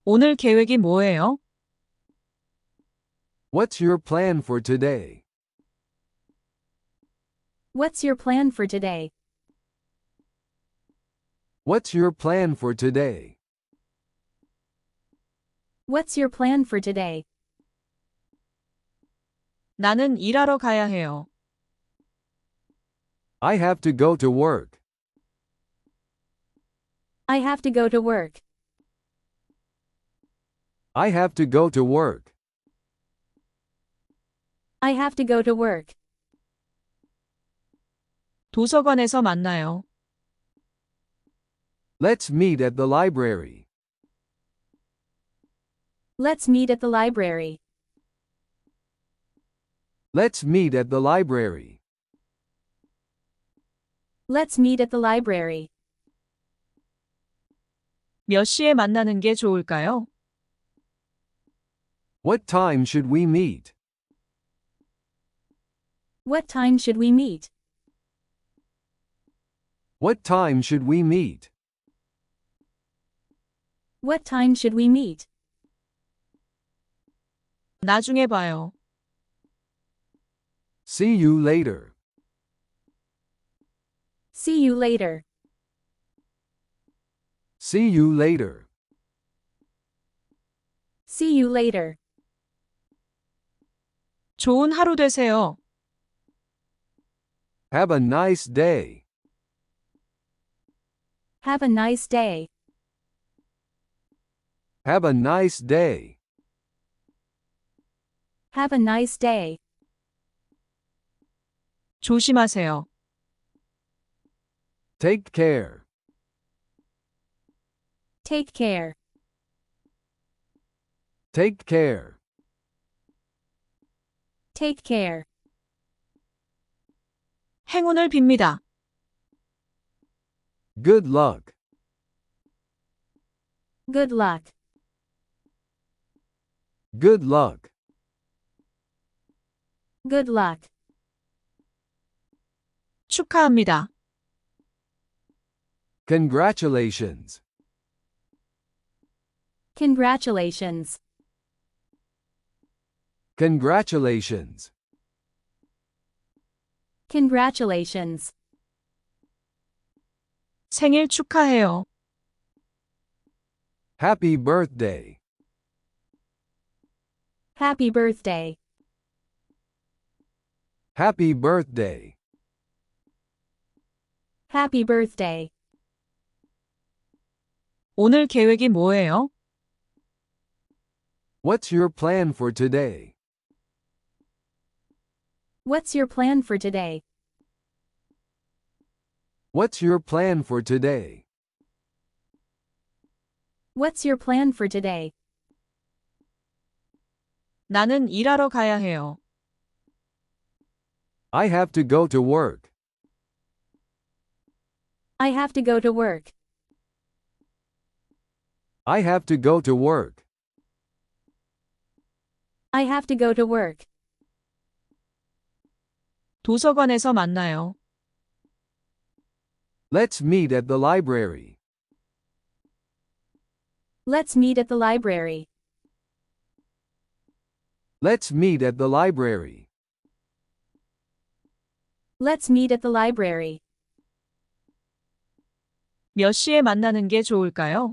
오늘 계획이 뭐예요? What's your plan for today? What's your plan for today? What's your plan for today? What's your plan for today? 나는 일하러 가야 해요. I have to go to work. I have to go to work. I have to go to work. I have to go to work. 도서관에서 만나요. Let's meet at the library. Let's meet at the library. Let's meet at the library. Let's meet at the library. 몇 시에 만나는 게 좋을까요? What time should we meet? What time should we meet? What time should we meet? What time should we meet? 나중에 봐요. See you later. See you later. See you later. See you later. 좋은 하루 되세요. Have a nice day. Have a nice day. Have a nice day. Have a nice day. 조심하세요. Take care. Take care. Take care. Take care. 행운을 빕니다. Good luck. Good luck. Good luck. Good luck. 축하합니다. Congratulations. Congratulations. Congratulations. Congratulations. 생일 축하해요. Happy birthday. Happy birthday. Happy birthday. Happy birthday. 오늘 계획이 뭐예요? What's your plan for today? What's your plan for today? What's your plan for today? What's your plan for today? 나는 일하러 가야 해요. I have to go to work. I have to go to work. I have to go to work. I have to go to work. 도서관에서 만나요. Let's meet at the library. Let's meet at the library. Let's meet at the library. Let's meet at the library. 몇 시에 만나는 게 좋을까요?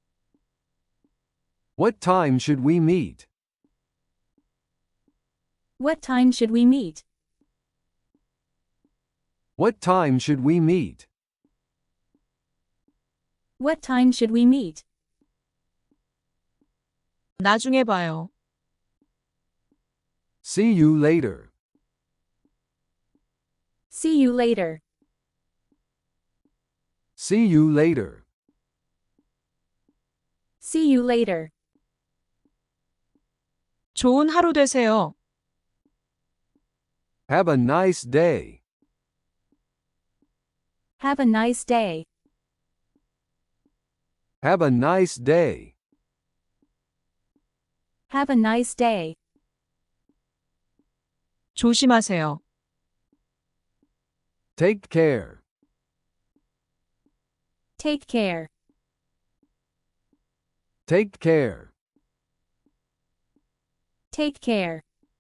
What time should we meet? What time should we meet? What time should we meet? What time should we meet? 나중에 봐요. See you later. See you later. See you later. See you later. 좋은 하루 되세요. Have a nice day. Have a nice day. Have a nice day. Have a nice day. 조심하세요. Take care. Take care. Take care. Take care.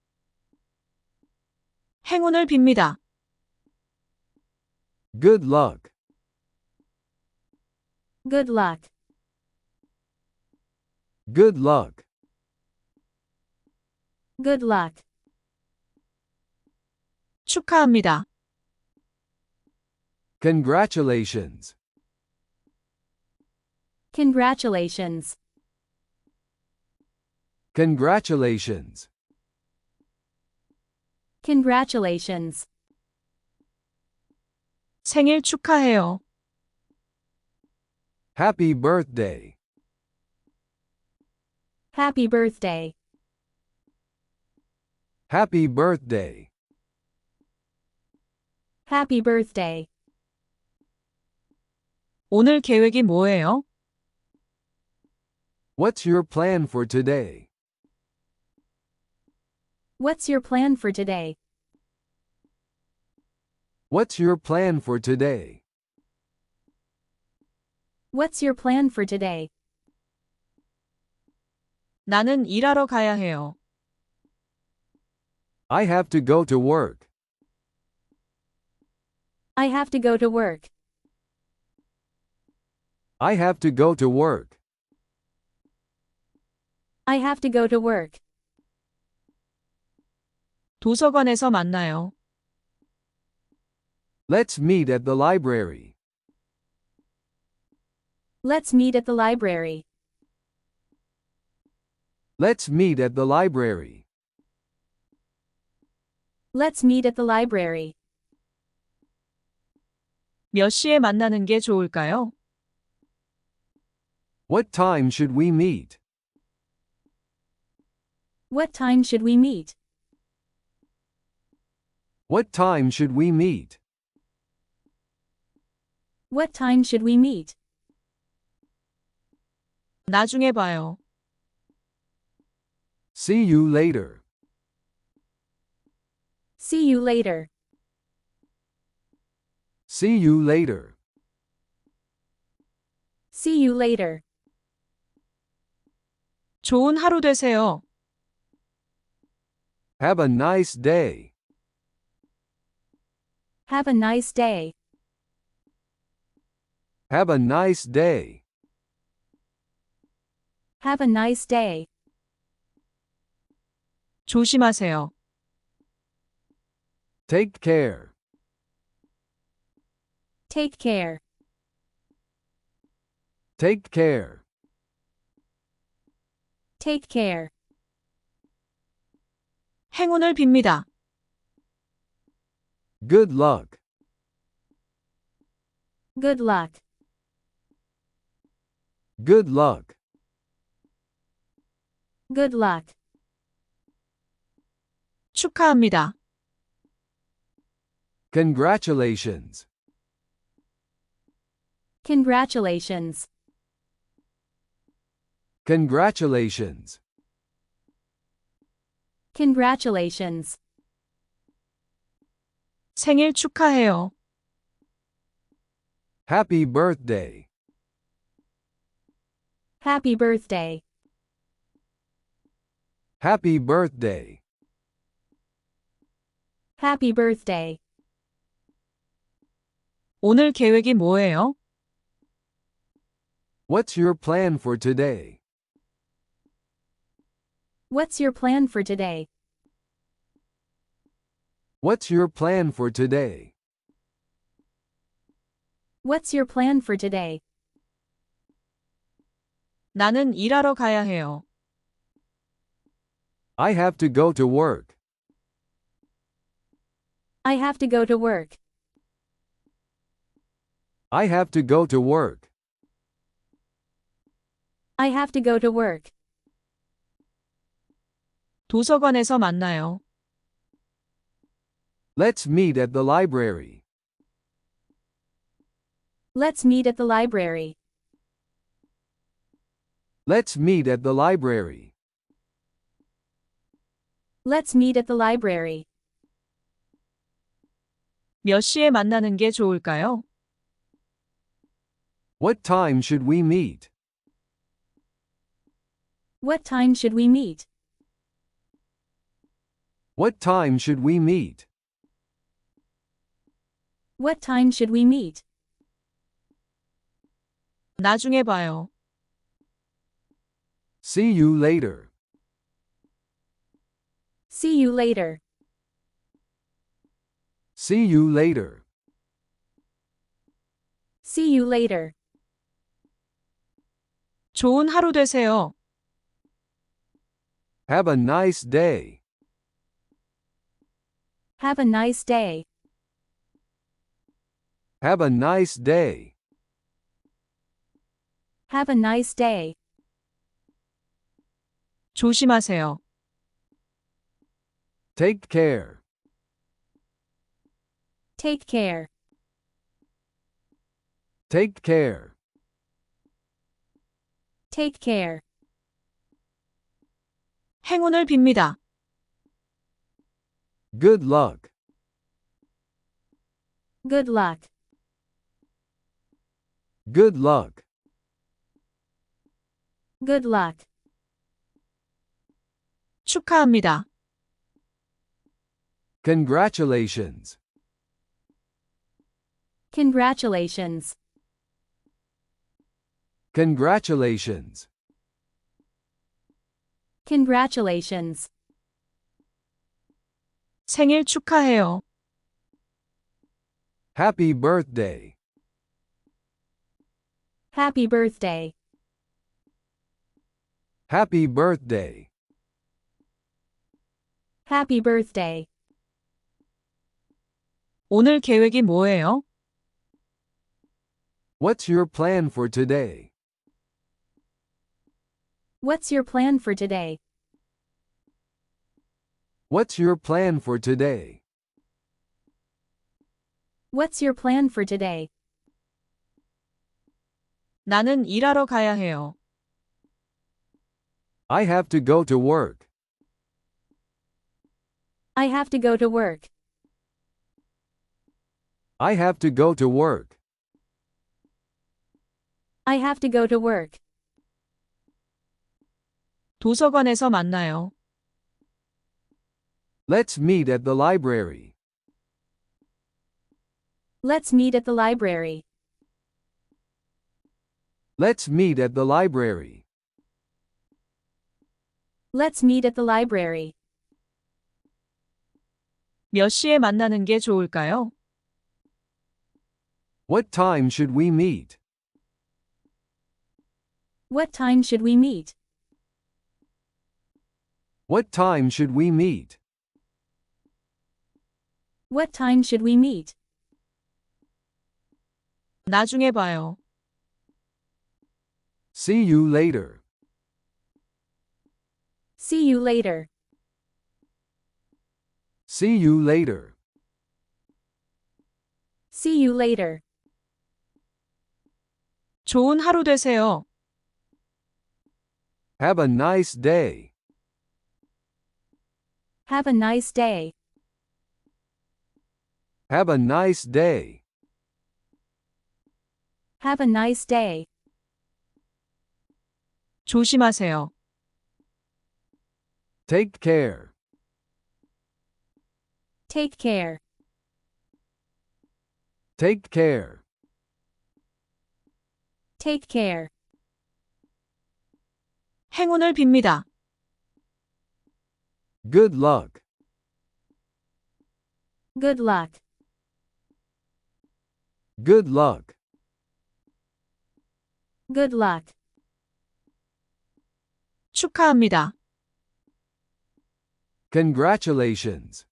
행운을 빕니다. Good luck. Good luck. Good luck. Good luck. 축하합니다. Congratulations. Congratulations. Congratulations. Congratulations. 생일 축하해요. Happy birthday. Happy birthday. Happy birthday. Happy birthday. 오늘 계획이 뭐예요? What's your plan for today? What's your plan for today? What's your plan for today? What's your plan for today? 나는 일하러 가야 해요. I have to go to work. I have to go to work. I have to go to work. I have to go to work. 도서관에서 만나요. Let's meet at the library. Let's meet at the library. Let's meet at the library. Let's meet at the library. 몇 시에 만나는 게 좋을까요? What time should we meet? What time should we meet? What time should we meet? What time should we meet? 나중에 봐요. See you later. See you later. See you later. See you later. 좋은 하루 되세요. Have a nice day. Have a nice day. Have a nice day. Have a nice day. 조심하세요. Take care. Take care. Take care. Take care. 행운을 빕니다. Good luck. Good luck. Good luck. Good luck. 축하합니다. Congratulations. Congratulations. Congratulations. Congratulations. 생일 축하해요. Happy birthday. Happy birthday. Happy birthday. Happy birthday. 오늘 계획이 뭐예요? What's your plan for today? What's your plan for today? What's your plan for today? What's your plan for today? 나는 일하러 가야 해요. I have to go to work. I have to go to work. I have to go to work. I have to go to work. 도서관에서 만나요. Let's meet at the library. Let's meet at the library. Let's meet at the library. Let's meet at the library. 몇 시에 만나는 게 좋을까요? What time should we meet? What time should we meet? What time should we meet? What time should we meet? 나중에 봐요. See you later. See you later. See you later. See you later. 좋은 하루 되세요. Have a nice day. Have a nice day. Have a nice day. Have a nice day. 조심하세요. Take care. Take care. Take care. Take care. 행운을 빕니다. Good luck. Good luck. Good luck. Good luck. 축하합니다. Congratulations. Congratulations. Congratulations. Congratulations. 생일 축하해요. Happy birthday. Happy birthday. Happy birthday. Happy birthday. 오늘 계획이 뭐예요? What's your plan for today? What's your plan for today? What's your plan for today? What's your plan for today? 나는 일하러 가야 해요. I have to go to work. I have to go to work. I have to go to work. I have to go to work. 도서관에서 만나요. Let's meet at the library. Let's meet at the library. Let's meet at the library. Let's meet at the library. 몇 시에 만나는 게 좋을까요? What time should we meet? What time should we meet? What time should we meet? What time should we meet? 나중에 봐요. See you later. See you later. See you later. See you later. 좋은 하루 되세요. Have a nice day. Have a nice day. Have a nice day. Have a nice day. 조심하세요. Take care. Take care. Take care. Take care. 행운을 빕니다. Good luck. Good luck. Good luck. Good luck. 축하합니다. Congratulations.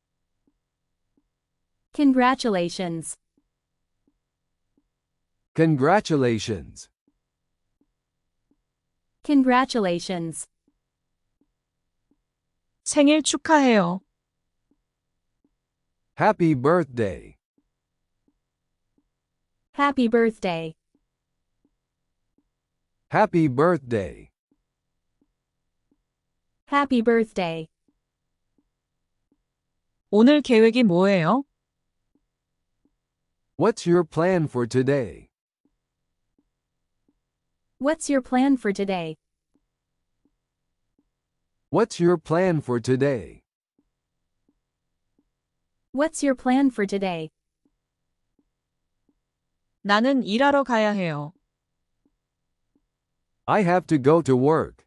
Congratulations. Congratulations. Congratulations. 생일 축하해요. Happy birthday. Happy birthday. Happy birthday. Happy birthday. 오늘 계획이 뭐예요? What's your plan for today? What's your plan for today? What's your plan for today? What's your plan for today? 나는 일하러 가야 해요. I have to go to work.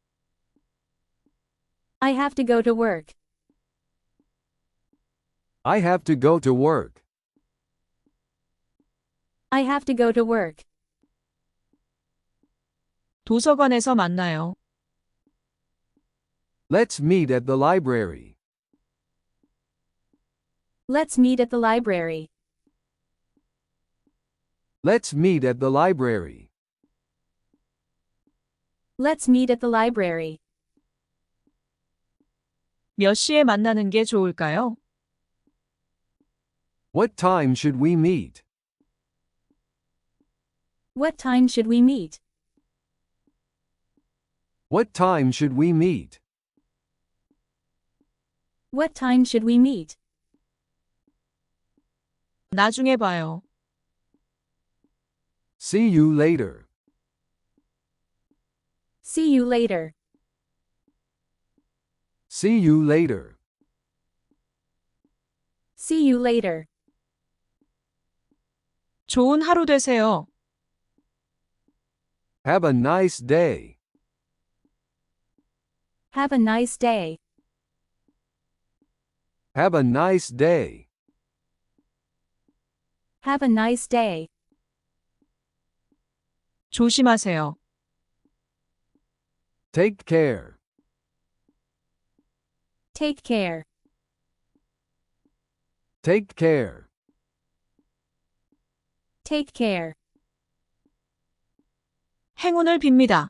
I have to go to work. I have to go to work. I have to go to work. 도서관에서 만나요. Let's meet at the library. Let's meet at the library. Let's meet at the library. Let's meet at the library. 몇 시에 만나는 게 좋을까요? What time should we meet? What time should we meet? What time should we meet? What time should we meet? 나중에 봐요. See you later. See you later. See you later. See you later. 좋은 하루 되세요. Have a nice day. Have a nice day. Have a nice day. Have a nice day. 조심하세요. Take care. Take care. Take care. Take care. 행운을 빕니다.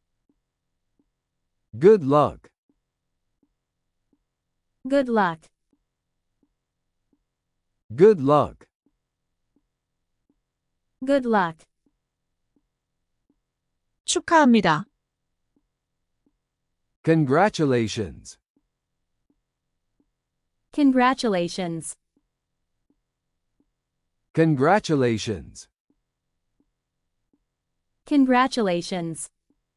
Good luck. Good luck. Good luck. Good luck. 축하합니다. Congratulations. Congratulations. Congratulations. Congratulations.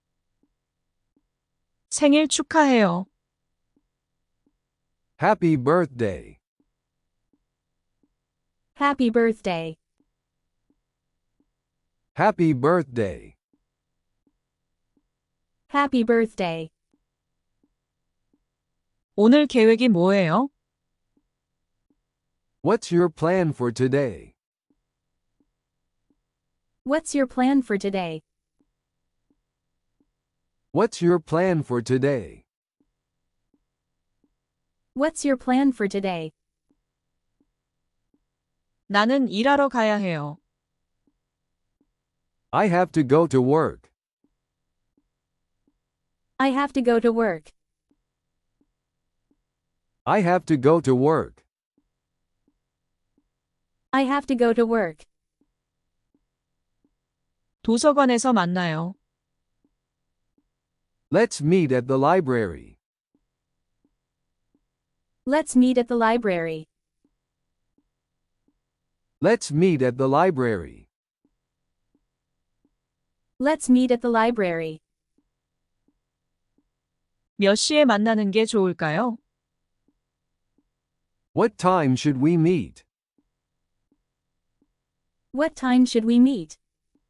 생일 축하해요. Happy birthday. Happy birthday. Happy birthday. Happy birthday. 오늘 계획이 뭐예요? What's your plan for today? What's your plan for today? What's your plan for today? What's your plan for today? 나는 일하러 가야 해요. I have to go to work. I have to go to work. I have to go to work. I have to go to work. 도서관에서 만나요. Let's meet at the library. Let's meet at the library. Let's meet at the library. Let's meet at the library. 몇 시에 만나는 게 좋을까요? What time should we meet? What time should we meet?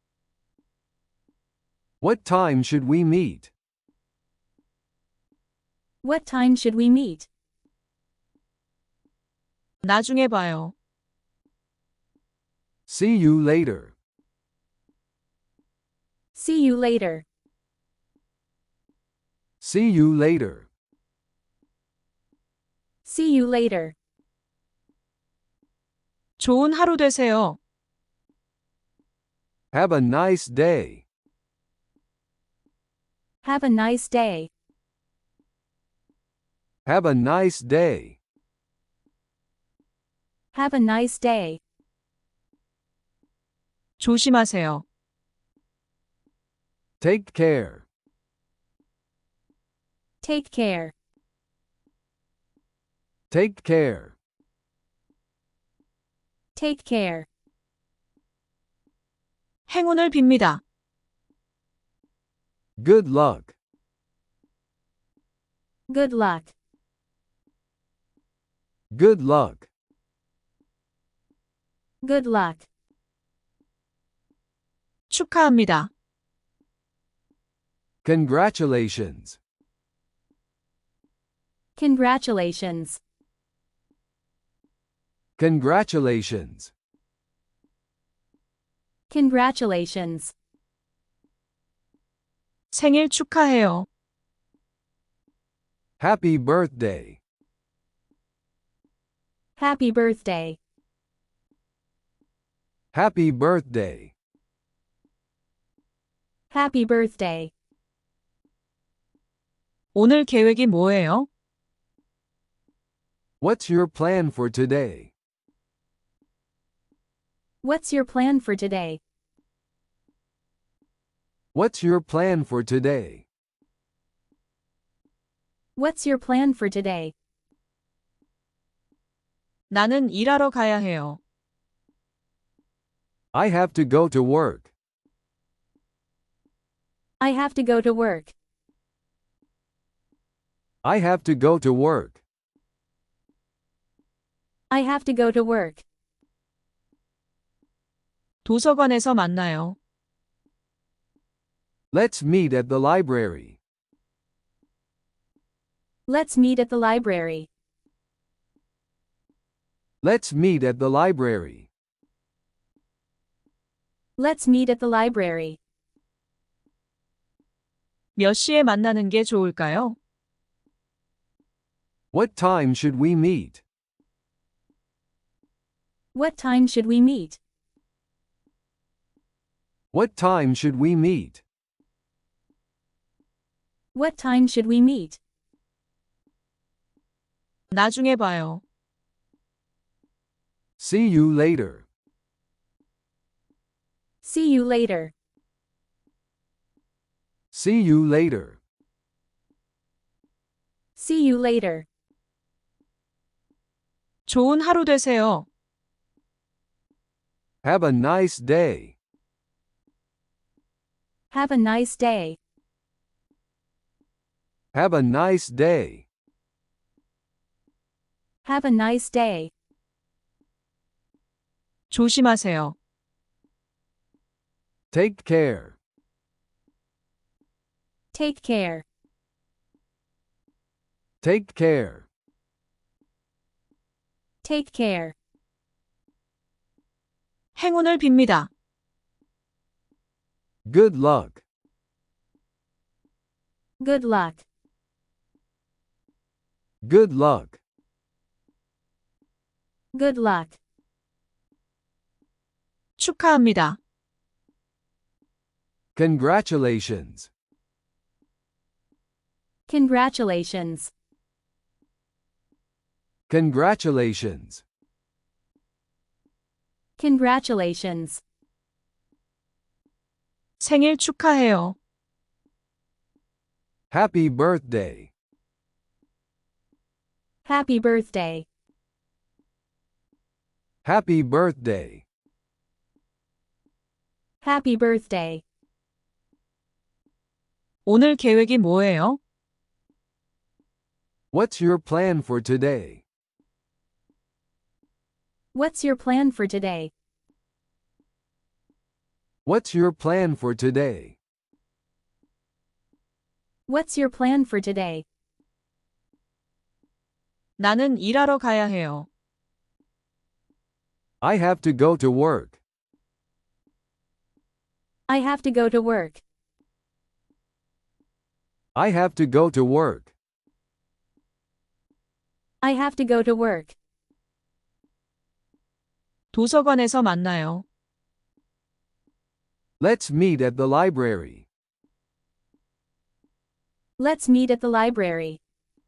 What time should we meet? What time should we meet? 나중에 봐요. See you later. See you later. See you later. See you later. 좋은 하루 되세요. Have a nice day. Have a nice day. Have a nice day. Have a nice day. 조심하세요. Take care. Take care. Take care. Take care. 행운을 빕니다. Good luck. Good luck. Good luck. Good luck. 축하합니다. Congratulations. Congratulations. Congratulations. Congratulations. 생일 축하해요. Happy birthday. Happy birthday. Happy birthday. Happy birthday. 오늘 계획이 뭐예요? What's your plan for today? What's your plan for today? What's your plan for today? What's your plan for today? 나는 일하러 가야 해요. I have to go to work. I have to go to work. I have to go to work. I have to go to work. 도서관에서 만나요. Let's meet at the library. Let's meet at the library. Let's meet at the library. Let's meet at the library. 몇 시에 만나는 게 좋을까요? What time should we meet? What time should we meet? What time should we meet? What time should we meet? 나중에 봐요. See you later. See you later. See you later. See you later. 좋은 하루 되세요. Have a nice day. Have a nice day. Have a nice day. Have a nice day. 조심하세요. Take care. Take care. Take care. Take care. 행운을 빕니다. Good luck. Good luck. Good luck. Good luck. 축하합니다. Congratulations. Congratulations. Congratulations. Congratulations. 생일 축하해요. Happy birthday. Happy birthday. Happy birthday. Happy birthday. 오늘 계획이 뭐예요? What's your plan for today? What's your plan for today? What's your plan for today? What's your plan for today? 나는 일하러 가야 해요. I have to go to work. I have to go to work. I have to go to work. I have to go to work. 도서관에서 만나요. Let's meet at the library. Let's meet at the library.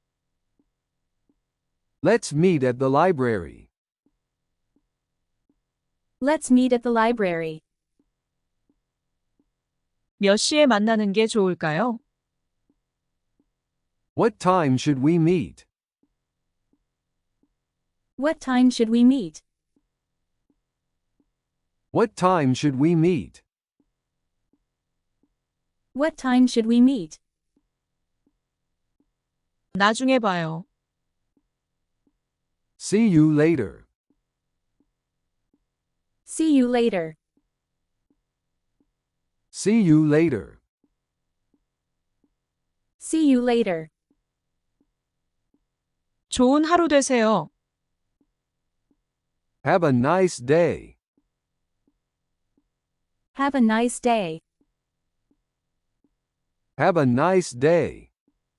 Let's meet at the library. Let's meet at the library. 몇 시에 만나는 게 좋을까요? What time should we meet? What time should we meet? What time should we meet? What time should we meet? 나중에 봐요. See you later. See you later. See you later. See you later. 좋은 하루 되세요. Have a nice day. Have a nice day. Have a nice day.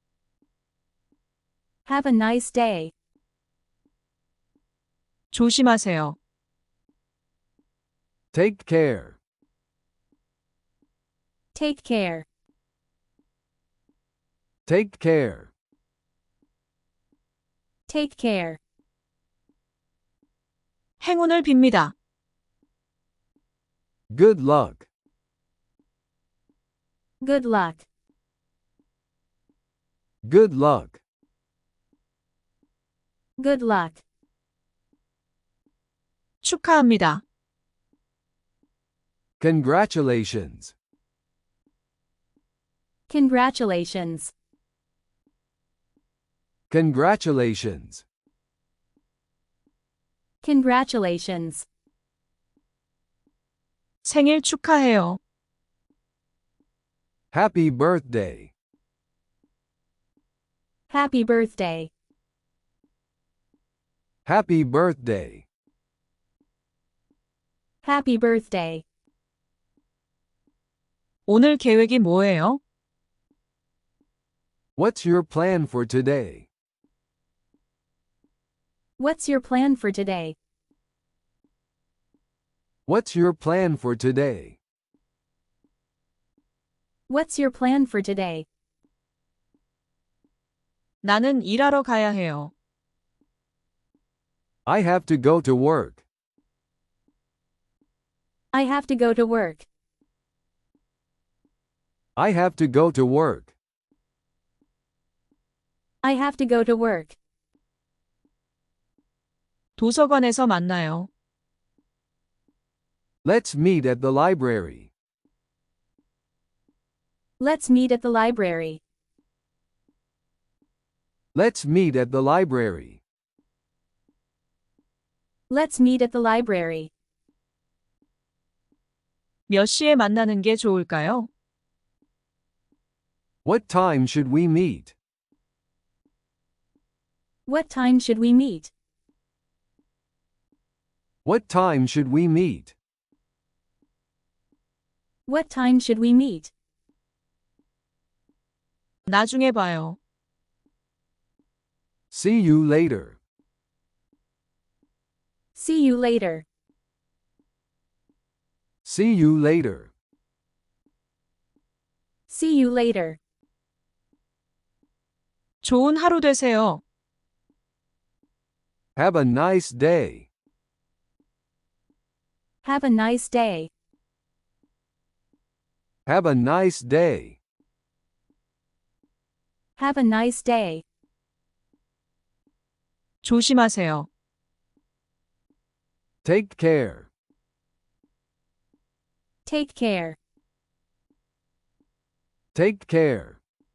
Have a nice day. 조심하세요. Take care. Take care. Take care. Take care. 행운을 빕니다. Good luck. Good luck. Good luck. Good luck. 축하합니다. Congratulations. Congratulations. Congratulations. Congratulations. 생일 축하해요. Happy birthday. Happy birthday. Happy birthday. Happy birthday. 오늘 계획이 뭐예요? What's your plan for today? What's your plan for today? What's your plan for today? What's your plan for today? 나는 일하러 가야 해요. I have to go to work. I have to go to work. I have to go to work. I have to go to work. 도서관에서 만나요. Let's meet at the library. Let's meet at the library. Let's meet at the library. Let's meet at the library. 몇 시에 만나는 게 좋을까요? What time should we meet? What time should we meet? What time should we meet? What time should we meet? 나중에 봐요. See you later. See you later. See you later. See you later. 좋은 하루 되세요. Have a nice day. Have a nice day. Have a nice day. Have a nice day. 조심하세요. Take care. Take care. Take care.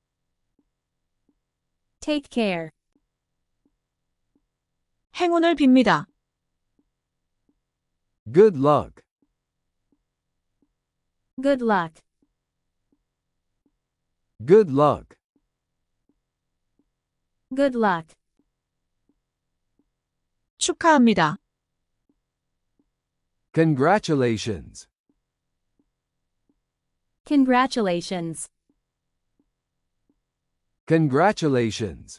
Take care. 행운을 빕니다. Good luck. Good luck. Good luck. Good luck. 축하합니다. Congratulations. Congratulations. Congratulations.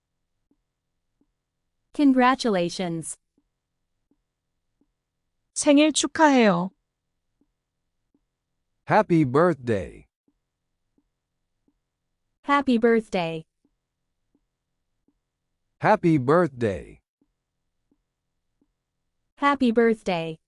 Congratulations. 생일 축하해요. Happy birthday. Happy birthday. Happy birthday. Happy birthday.